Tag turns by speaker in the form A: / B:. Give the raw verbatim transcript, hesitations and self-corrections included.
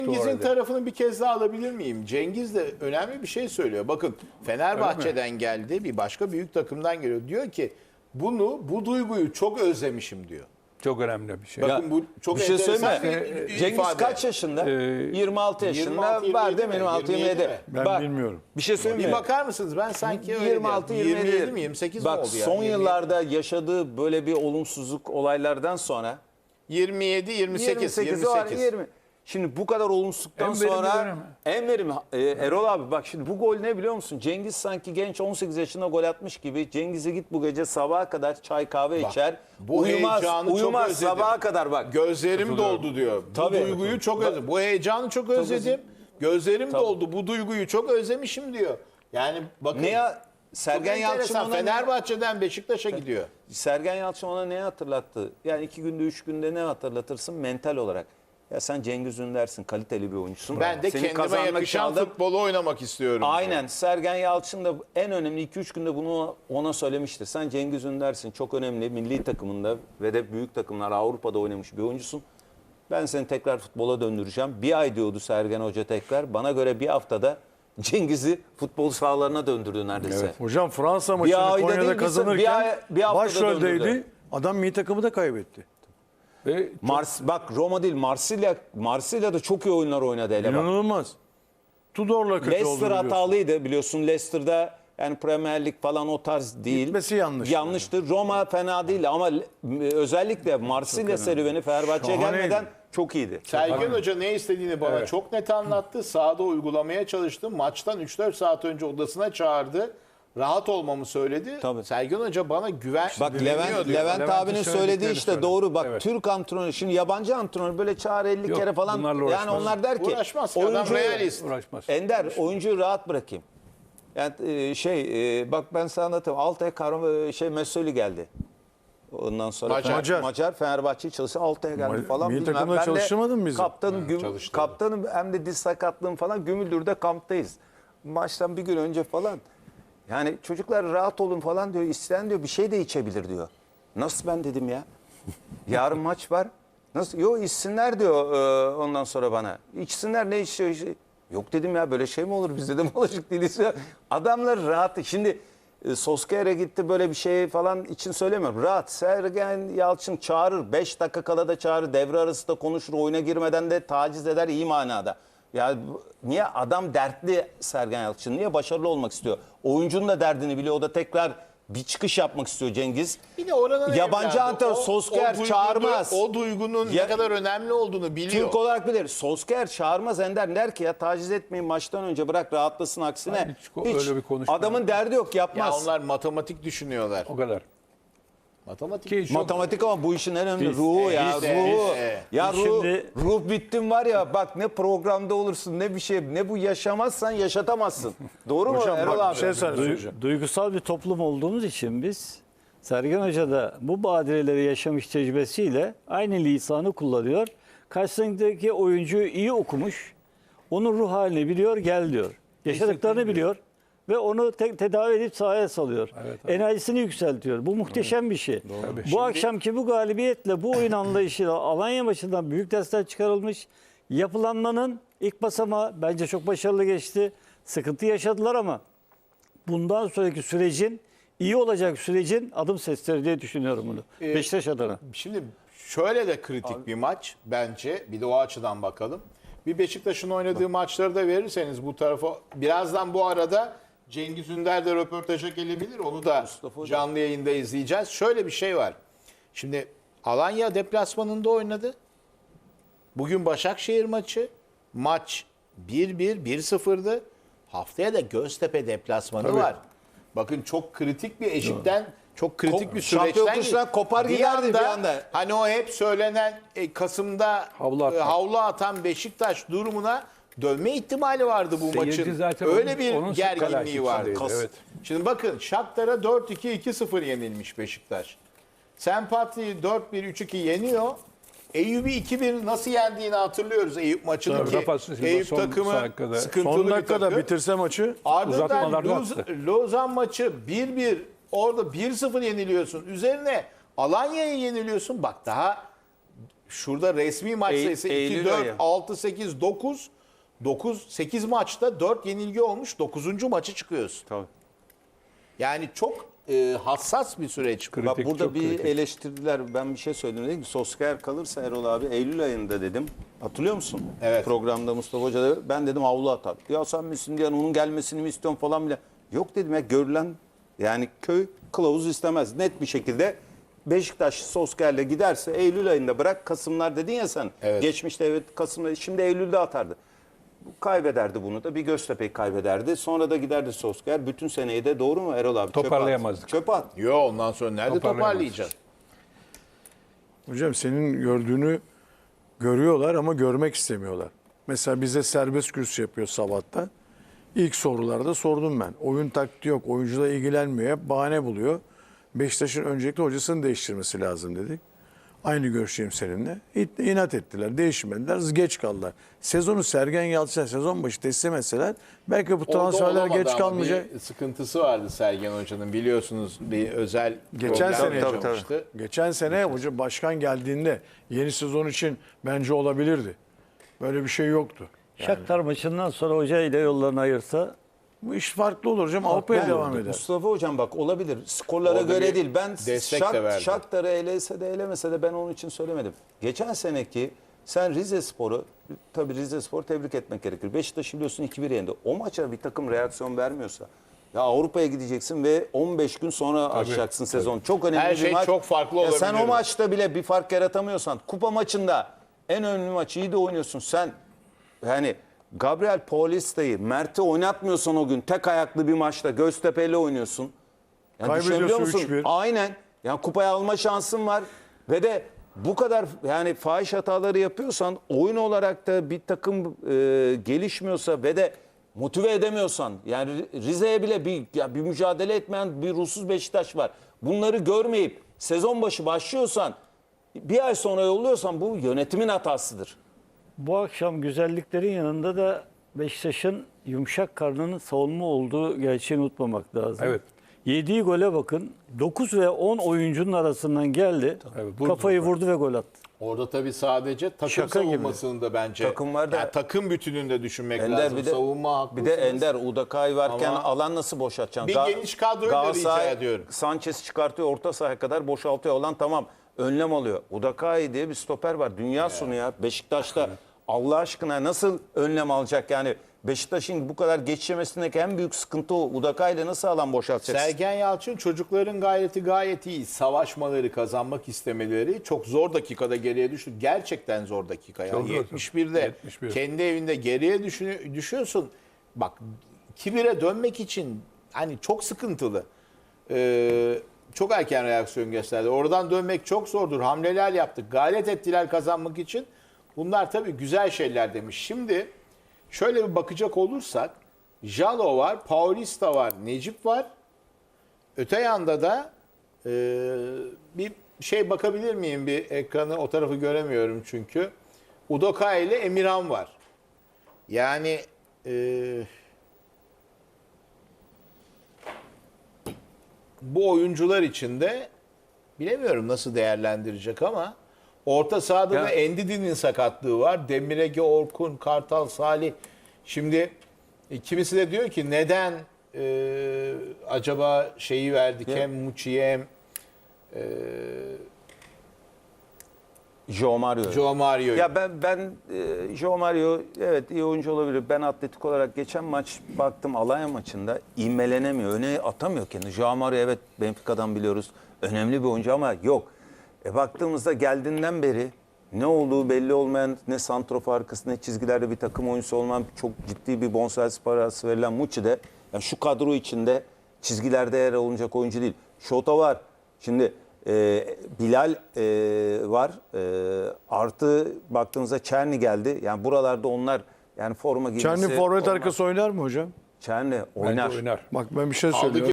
A: Cengiz'in tarafını bir kez daha alabilir miyim? Cengiz de önemli bir şey söylüyor. Bakın Fenerbahçe'den geldi, bir başka büyük takımdan geliyor. Diyor ki bunu, bu duyguyu çok özlemişim diyor.
B: Çok önemli bir şey.
A: Bakın
C: Ya,
A: bu çok
C: bir şey
A: enteresan
C: söyleyeyim mi?
A: bir
C: Cengiz
A: ifade.
C: kaç yaşında?
B: Ee,
C: yirmi altı yaşında.
A: yirmi altı,
C: Var
A: yirmi
C: değil mi?
A: yedi
C: yirmi
A: mi?
C: altı yirmi yedi.
A: Ben
C: Bak,
D: bilmiyorum.
C: Bir şey söyleyeyim
A: Bir
C: mi?
A: bakar mısınız? Ben sanki öyle
C: yirmi altı
A: diyorum.
C: yirmi yedi.
A: yirmi yedi mi yirmi sekiz mi
C: Bak
A: oldu yani?
C: son
A: yirmi yedi.
C: yıllarda yaşadığı böyle bir olumsuzluk olaylardan sonra
A: yirmi yedi yirmi sekiz
C: yirmi sekiz var,
A: yirmi sekiz.
C: yirmi. Şimdi bu kadar olumsuzluktan
B: En verimli
C: sonra
B: dönemi.
C: en verimli e, Erol abi bak şimdi bu gol ne biliyor musun? Cengiz sanki genç on sekiz yaşında gol atmış gibi. Cengiz'e git bu gece sabaha kadar çay kahve
A: Bak,
C: içer.
A: bu
C: uyumaz,
A: heyecanı çok
C: uyumaz
A: özledim.
C: sabaha kadar bak.
A: Gözlerim doldu diyor. Bu
C: Tabii.
A: duyguyu çok özledim. Bu heyecanı çok özledim. Gözlerim doldu. Bu duyguyu çok özlemişim diyor. Yani bakın.
C: Ne ya Sergen
A: Çok
C: Yalçın
A: enteresan.
C: ona ne-
A: Fenerbahçe'den Beşiktaş'a gidiyor.
C: Sergen Yalçın ona ne hatırlattı? Yani iki günde üç günde ne hatırlatırsın mental olarak? Ya sen Cengiz Ünder'sin, kaliteli bir oyuncusun.
A: Ben de
C: Seni
A: kendime
C: kazanmak
A: yakışan
C: için aldım.
A: futbolu oynamak istiyorum.
C: Aynen. Sergen Yalçın da en önemli iki üç günde bunu ona söylemiştir. Sen Cengiz Ünder'sin. Çok önemli milli takımında ve de büyük takımlar Avrupa'da oynamış bir oyuncusun. Ben seni tekrar futbola döndüreceğim. Bir ay diyordu Sergen Hoca tekrar. Bana göre bir haftada Cengiz'i futbol sahalarına döndürdü neredeyse.
D: Hocam Fransa
C: Bir
D: maçını
C: ayda değil,
D: Konya'da
C: bir-
D: kazanırken
C: bir ay- bir haftada
D: başroldeydi.
C: döndürdü.
D: Adam milli takımı da kaybetti.
B: Ve
C: Mars, bak Roma değil Marsilya, Marsilya'da çok iyi oyunlar oynadı hele bak.
D: İnanılmaz. Tudor'la kötü oldu
C: Leicester
D: biliyorsun.
C: hatalıydı biliyorsun. Leicester'da yani Premier Lig falan o tarz değil.
D: Gitmesi yanlıştı.
C: Yanlıştı. Roma fena değil ama le- özellikle Marsilya serüveni Fenerbahçe'ye
D: Şahaneydi.
C: gelmeden çok iyiydi.
A: Sergen Hoca ne istediğini bana
B: Evet.
A: çok net anlattı. Sahada uygulamaya çalıştı. Maçtan üç dört saat önce odasına çağırdı. Rahat olmamı söyledi.
C: Tabii.
A: Sergen Hoca bana güven
C: Bak
A: güveniyor
C: Levent,
A: diyor.
C: Levent
B: Levent'in
C: abinin söylediği
B: söylediklerini
C: işte
B: söyledi.
C: doğru. Bak
B: Evet.
C: Türk antrenörü şimdi yabancı antrenör böyle çağır elli
B: Yok,
C: kere falan.
B: bunlarla
C: Yani
B: uğraşmaz.
C: onlar der ki
A: Uğraşmaz ki, adam realist.
B: uğraşmaz.
C: Ender oyuncuyu rahat bırakayım. Yani e, şey e, bak ben sana anlatayım. Altay Kahraman e, şey Mesoli geldi. Ondan sonra
A: Macar.
C: Macar, Macar Fenerbahçe'yi çalıştı. Altay'a geldi
D: Ma-
C: falan.
D: milli
C: bilmem.
D: takımda
C: Ben de
D: çalıştırmadın mı bizi?
C: Kaptanım, güm-
A: çalıştırdı.
C: kaptanım hem de diz sakatlığım falan Gümüldür'de kamptayız. Maçtan bir gün önce falan. Yani çocuklar rahat olun falan diyor. İsteyen diyor bir şey de içebilir diyor. Nasıl ben dedim ya. Yarın maç var. Nasıl? Yok içsinler diyor e, ondan sonra bana. İçsinler ne içiyor? işte? Yok dedim ya böyle şey mi olur biz dedim alışık değiliz ya. Adamlar rahat. Şimdi e, Solskjaer'e gitti böyle bir şey falan için söylemiyorum. Rahat. Sergen Yalçın çağırır. beş dakika kala da çağırır. Devre arası da konuşur. Oyuna girmeden de taciz eder iyi manada. Ya bu- niye adam dertli Sergen Yalçın? Niye başarılı olmak istiyor? Oyuncunun da derdini biliyor. O da tekrar bir çıkış yapmak istiyor Cengiz.
A: Bir de oranın
C: Yabancı
A: evladı.
C: antrenör
A: O-
C: Solskjaer
A: o duygunu-
C: çağırmaz.
A: O duygunun
C: Ya-
A: ne kadar önemli olduğunu biliyor.
C: Türk olarak bilir. Solskjaer çağırmaz Ender. Der ki ya taciz etmeyin maçtan önce bırak rahatlasın aksine.
B: Hayır, hiç ko- öyle bir konuşma
C: Adamın derdi yok
A: Ya
C: yapmaz.
A: onlar matematik düşünüyorlar.
B: O kadar.
A: Matematik.
B: Ki çok-
C: Matematik ama bu işin en önemli ruhu ya
A: biz de,
C: ruhu.
A: biz de.
C: Ya
D: Biz
C: ruh,
D: şimdi-
C: ruh bittin var ya bak ne programda olursun ne bir şey ne bu yaşamazsan yaşatamazsın. Doğru mu
D: Hocam
C: Erol
D: bak
C: abi?
D: bir şey söyleyeyim.
E: Du- duygusal bir toplum olduğumuz için biz Sergen Hoca da bu badireleri yaşamış tecrübesiyle aynı lisanı kullanıyor. Karşısındaki oyuncuyu iyi okumuş. Onun ruh halini biliyor, gel diyor. Yaşadıklarını biliyor ve onu te- tedavi edip sahaya salıyor.
B: Evet, evet.
E: Enerjisini yükseltiyor. Bu muhteşem bir şey.
B: Tabii.
E: Bu akşamki bu galibiyetle bu oyun anlayışıyla Alanya maçından büyük dersler çıkarılmış. Yapılanmanın ilk basamağı bence çok başarılı geçti. Sıkıntı yaşadılar ama bundan sonraki sürecin iyi olacak sürecin adım sesleri diye düşünüyorum bunu.
A: Ee,
E: Beşiktaş adına.
A: Şimdi şöyle de kritik bir maç bence. Bir de o açıdan bakalım. Bir Beşiktaş'ın oynadığı maçları da verirseniz bu tarafa birazdan bu arada Cengiz Ünder de röportaja gelebilir. Onu da canlı yayında izleyeceğiz. Şöyle bir şey var. Şimdi Alanya deplasmanında oynadı. Bugün Başakşehir maçı. Maç bir bir, bir sıfırdı. Haftaya da Göztepe deplasmanı var. Bakın çok kritik bir eşikten, çok kritik
C: Kop-
A: bir
C: şampiyon
A: süreçten.
C: kuşlar kopar giderdi bir anda.
A: Hani o hep söylenen e, Kasım'da
B: Havlu
A: e,
B: atmak.
A: havlu atan Beşiktaş durumuna dönme ihtimali vardı bu
B: Seyirci
A: maçın.
B: zaten
A: Öyle
B: onun-
A: bir
B: onun
A: gerginliği
B: telaşesi
A: vardı.
B: içindeydi, evet.
A: Şimdi bakın Shakhtar'a dört iki, iki sıfır yenilmiş Beşiktaş. Sempati'yi dört bir, üç iki yeniyor. Eyüp'ü iki bir nasıl yendiğini hatırlıyoruz Eyüp maçını
B: Tabii,
A: ki.
B: Rafa Silva
A: Eyüp
B: son
A: takımı
B: dakikada-
A: sıkıntılı
D: Son
A: bir
D: dakikada
A: takım.
D: bitirse maçı
A: Ardından
B: Uzatmalarda
A: Luz-
B: attı.
A: Lozan maçı bir bir orada bir sıfır yeniliyorsun. Üzerine Alanya'ya yeniliyorsun. Bak daha şurada resmi maç
C: Eylül-
A: sayısı iki,
C: Eylül
A: dört,
C: ayı.
A: altı, sekiz, dokuz. dokuz, sekiz maçta dört yenilgi olmuş. dokuzuncu maçı çıkıyorsun.
C: Tabii.
A: Yani çok e, hassas bir süreç. bu.
C: Bak
B: Kritik,
C: burada
B: çok
C: bir
B: kritik.
C: eleştirdiler. Ben bir şey söyledim. Dedim ki Solskjaer kalırsa Erol abi Eylül ayında dedim. Hatırlıyor musun?
A: Evet.
C: Programda Mustafa Hoca da ben dedim havlu atar. Ya sen misin diyen onun gelmesini mi istiyorsun falan bile. Yok dedim ya görülen yani köy kılavuz istemez. Net bir şekilde Beşiktaş Solskjaer'le giderse Eylül ayında bırak Kasımlar dedin ya sen.
A: Evet.
C: Geçmişte evet Kasım'da şimdi Eylül'de atardı. Kaybederdi bunu da bir Göztepe'yi kaybederdi. Sonra da giderdi Solskjaer. Bütün seneyi de doğru mu Erol abi? Çöpe at.
B: Toparlayamazdık.
C: Çöpe at.
A: Yo ondan sonra nerede
B: Toparlayamaz.
A: toparlayacaksın?
D: Hocam senin gördüğünü görüyorlar ama görmek istemiyorlar. Mesela bize serbest kürsü yapıyor sabahta. İlk sorularda sordum ben. Oyun taktiği yok, oyuncular ilgilenmiyor. Hep bahane buluyor. Beşiktaş'ın öncelikle hocasını değiştirmesi lazım dedik. Aynı görüşeyim seninle. İt- İnat ettiler, değişmediler, geç kaldılar. Sezonu Sergen Yalçın'a sezon başı teslim etseler belki bu
A: Orada
D: transferler
A: olamadı
D: geç
A: ama
D: kalmayacak.
A: Bir sıkıntısı vardı Sergen Hoca'nın biliyorsunuz bir özel
D: Geçen
A: problem
D: sene
A: yaşamıştı.
D: Geçen sene hoca başkan geldiğinde yeni sezon için bence olabilirdi. Böyle bir şey yoktu.
E: Shakhtar maçından sonra hoca ile yollarını ayırsa
D: Bu iş farklı olur hocam. Avrupa'ya
C: Ben-
D: devam eder.
C: Mustafa Hocam bak olabilir. Skorlara
A: Orada
C: göre
A: bir
C: değil. Ben
A: destek de
C: Şak,
A: verdi.
C: Shakhtar'ı elese de elemese de ben onun için söylemedim. Geçen seneki sen Rizespor'u tabii Rizespor tebrik etmek gerekir. Beşiktaş'ı biliyorsun iki bir yendi. O maça bir takım reaksiyon vermiyorsa ya Avrupa'ya gideceksin ve on beş gün sonra açacaksın sezon. Çok önemli
A: Her
C: bir
A: şey
C: maç.
A: çok farklı
C: Ya sen
A: olabilir.
C: o maçta bile bir fark yaratamıyorsan kupa maçında en önemli maçı iyi de oynuyorsun. Sen yani Gabriel Paulista'yı, Mert'i oynatmıyorsan o gün tek ayaklı bir maçta Göztepe'yle oynuyorsun. Yani
D: Kaybediyorsun
C: düşünebiliyor musun?
D: üç bir.
C: Aynen. Yani kupayı alma şansın var. Ve de bu kadar yani fahiş hataları yapıyorsan oyun olarak da bir takım e, gelişmiyorsa ve de motive edemiyorsan yani Rize'ye bile bir, ya bir mücadele etmeyen bir ruhsuz Beşiktaş var. Bunları görmeyip sezon başı başlıyorsan bir ay sonra yolluyorsan bu yönetimin hatasıdır.
E: bu akşam güzelliklerin yanında da Beşiktaş'ın yumuşak karnının savunma olduğu gerçeğini unutmamak lazım.
B: Evet.
E: Yediği gole bakın. dokuz ve on oyuncunun arasından geldi.
B: Evet, vurdu.
E: Kafayı vurdu ve gol attı.
A: Orada tabii sadece takım
E: Şaka gibi.
A: savunmasını da bence
C: Takım var da-
A: yani takım bütününde düşünmek
C: Ender
A: lazım.
C: bir de
A: Savunma haklısınız.
C: bir de Ender Udakay varken
A: Ama
C: alan nasıl boşaltacaksın?
A: bir
C: Ga-
A: geniş kadroyu da
C: Galatasaray
A: rica ediyorum.
C: Sanchez çıkartıyor orta sahaya kadar boşaltıyor alan tamam. Önlem alıyor. Udakay diye bir stoper var. Dünya sonu ya. Beşiktaş'ta Allah aşkına nasıl önlem alacak yani? Beşiktaş'ın bu kadar geçemesindeki en büyük sıkıntı o. Udakay'la nasıl alan boşaltacaksın?
A: Sergen Yalçın çocukların gayreti gayet iyi. Savaşmaları, kazanmak istemeleri çok zor dakikada geriye düştü. Gerçekten zor dakika.
B: Çok
A: Yani
B: zor.
A: yetmiş birde
B: yetmiş bir.
A: kendi evinde geriye düşün- düşüyorsun. Bak iki bire dönmek için hani çok sıkıntılı. Ee, çok erken reaksiyon gösterdi. Oradan dönmek çok zordur. Hamleler yaptık. Gayret ettiler kazanmak için. Bunlar tabii güzel şeyler demiş. Şimdi şöyle bir bakacak olursak Jalo var, Paulista var, Necip var. Öte yanda da e, bir şey bakabilir miyim bir ekranı? O tarafı göremiyorum çünkü. Udokay ile Emirhan var. Yani e, bu oyuncular için de bilemiyorum nasıl değerlendirecek ama orta sahada
C: Ya-
A: da Endidi'nin sakatlığı var. Demirege, Orkun, Kartal, Salih. Şimdi e, kimisi de diyor ki neden e, acaba şeyi verdik
C: Ya-
A: hem Muçi'ye hem
C: Joe Mario.
A: Joe Mario'yu.
C: Ya ben ben e, Joe Mario evet iyi oyuncu olabilir. Ben atletik olarak geçen maç baktım Alanya maçında ivmelenemiyor. Öne atamıyor kendini. Joe Mario evet Benfica'dan biliyoruz. Önemli bir oyuncu ama yok. E baktığımızda geldiğinden beri ne olduğu belli olmayan ne santrofor arkası ne çizgilerde bir takım oyuncusu olmayan çok ciddi bir bonservis parası verilen Muçi de yani şu kadro içinde çizgilerde yer alınacak oyuncu değil. Şota var. Şimdi e, Bilal e, var. E, artı baktığımızda Çerni geldi. Yani buralarda onlar yani forma giymesi.
D: Çerni forvet
C: olmaz.
D: arkası oynar mı hocam?
C: Çerni
B: Bence
C: oynar.
B: oynar.
D: Bak ben bir şey
A: Aldı
D: söylüyorum.